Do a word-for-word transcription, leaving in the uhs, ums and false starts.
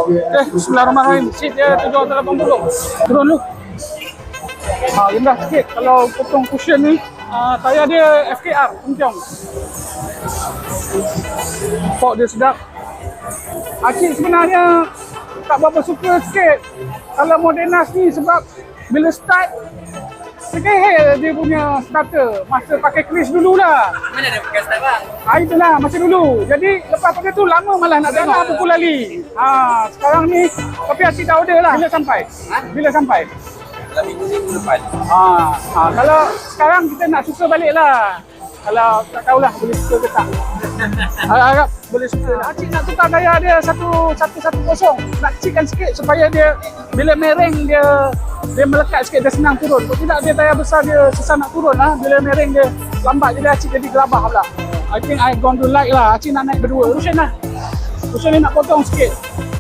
Okay, bismillahirrahmanirrahim. Seat dia tujuh ratus lapan puluh. Turun dulu. Ha, rendah sikit. Kalau potong cushion ni, uh, tayar dia F K R, Kencang. Port dia sedap. Acik sebenarnya tak berapa suka sikit kalau Modenas ni sebab bila start sekehel dia punya starter masa pakai Chris dulu lah. Mana ada pakai start bang? Ha, itulah masa dulu. Jadi lepas pada tu lama malah nak tengok pukul lali. Ha, sekarang ni tapi Acik dah order lah. Bila sampai? Ha? Bila sampai? Dalam minggu minggu depan. Ha, ha, kalau sekarang kita nak suka balik lah. Kalau tak tahulah boleh suka ke tak. Harap boleh suka. Acik nak tukar daya dia satu satu satu kosong. Nak kecilkan sikit supaya dia bila mereng dia dia melekat sikit, dia senang turun. Kalau tidak dia daya besar dia susah nak turun lah. Bila mereng dia lambat jadi Acik jadi gelabah pula. I think I going to like lah. Acik nak naik berdua. Rushin lah. Rushin ni nak potong sikit.